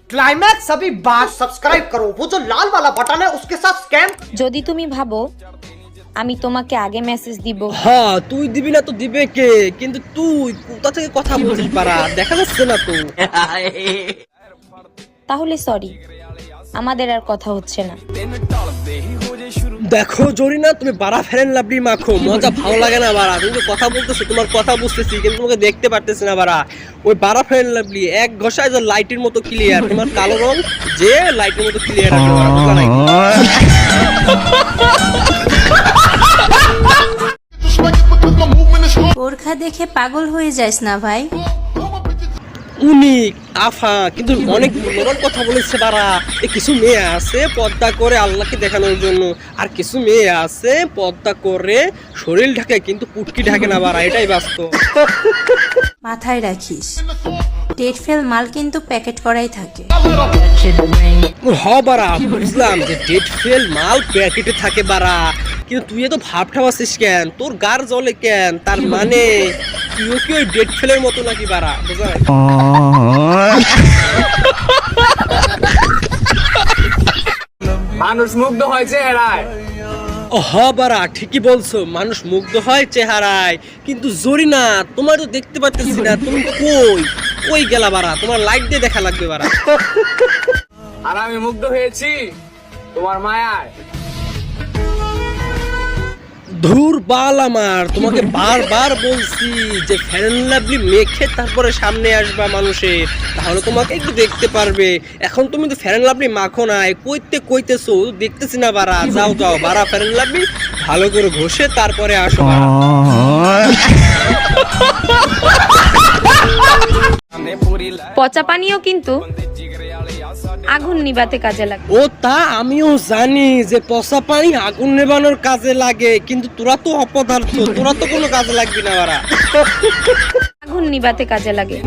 Climax अभी बात। Subscribe करो, वो जो लाल वाला बटन है उसके साथ स्कैम। যদি তুমি ভাবো আমি তোমাকে আগে মেসেজ দিব, হ্যাঁ তুই দিবি না তো দিবে কে? কিন্তু তুই কোথা থেকে কথা বলছিস পারা, দেখা যাচ্ছে না তো। তাহলে সরি, আমাদের আর কথা হচ্ছে না। দেখো জরিনা, তুমি বাড়া ফেরেন লাভলি মাখো, মজা ভালো লাগে না বাড়া। তুমি তো কথা বলতেছো, তোমার কথা বুঝতেছি কিন্তু তোমাকে দেখতে পারতেছি না বাড়া। ওই বাড়া ফেরেন লাভলি এক ঘষায় যে লাইটের মতো ক্লিয়ার, তোমার কালো রং যে লাইটের মতো ক্লিয়ার আছে বাড়া, বুঝলা নাকি? বোরখা দেখে পাগল হয়ে যাস না ভাই। উনি আফা কিন্তু অনেক মূল্যবান কথা বলেছে বাড়া। কিছু মেয়ে আছে পর্দা করে আল্লাহকে দেখানোর জন্য, আর কিছু মেয়ে আছে পর্দা করে শরীর ঢাকে কিন্তু পুটকি ঢাকে না বাড়া, এটাই বাস্তব। মাথায় রাখিস, ডেট ফেল মাল কিন্তু প্যাকেট করাই থাকে। হ বাড়া, বুঝলাম যে ডেট ফেল মাল প্যাকেটে থাকে বাড়া, কিন্তু তুই এত ভাবটা আছিস কেন? তোর গার জ্বলে কেন? তার মানে তুইও কি ওই ডেট ফেলের মতো নাকি বাড়া, বুঝলা? মানুষ মুগ্ধ হয় চেহারায়। হ বাড়া, ঠিকই বলছো, মানুষ মুগ্ধ হয় চেহারায়, কিন্তু জরিনা তোমার তো দেখতে পাচ্ছি না, তুমি কই কই গেলা বাড়া? তোমার লাইট দিয়ে দেখা লাগবে বাড়া। আর আমি মুগ্ধ হয়েছি তোমার মায়ায়। ধুর বাল আমার, তোমাকে বারবার বলছি যে ফেয়ার এন্ড লাভলি মেখে তারপরে সামনে আসবা মানুষের, তাহলে তোমাকে একটু দেখতে পারবে। এখন তুমি তো ফেয়ার এন্ড লাভলি মাখো নাই, কইতেছো দেখতেছি না বাড়া। যাও যাও বাড়া, ফেয়ার এন্ড লাভলি ভালো করে ঘষে তারপরে আসো বাড়া। পচা পানিও কিন্তু আগুন নিবাতে কাজে লাগে। ও তা আমিও জানি যে পচা পানি আগুন নেবানোর কাজে লাগে, কিন্তু তোরা তো অপদার্থ, তোরা তো কোনো কাজে লাগবি না বাড়া। আগুন নিবাতে কাজে লাগে।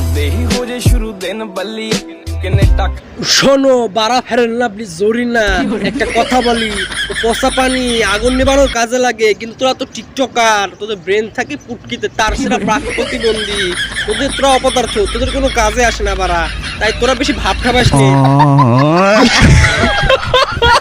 শোনো বাড়া ফেরেন লাভলি জরিনা, একটা কথা বলি, পচা পানি আগুন নেবানোর কাজে লাগে, কিন্তু তোরা তো টিকটকার, তোদের ব্রেন থাকে পুটকিতে, তার সেটা প্রাক প্রতিবন্ধী, তোরা অপদার্থ, তোদের কোনো কাজে আসে না বাড়া, তাই তোরা বেশি ভাব খাবাস নি।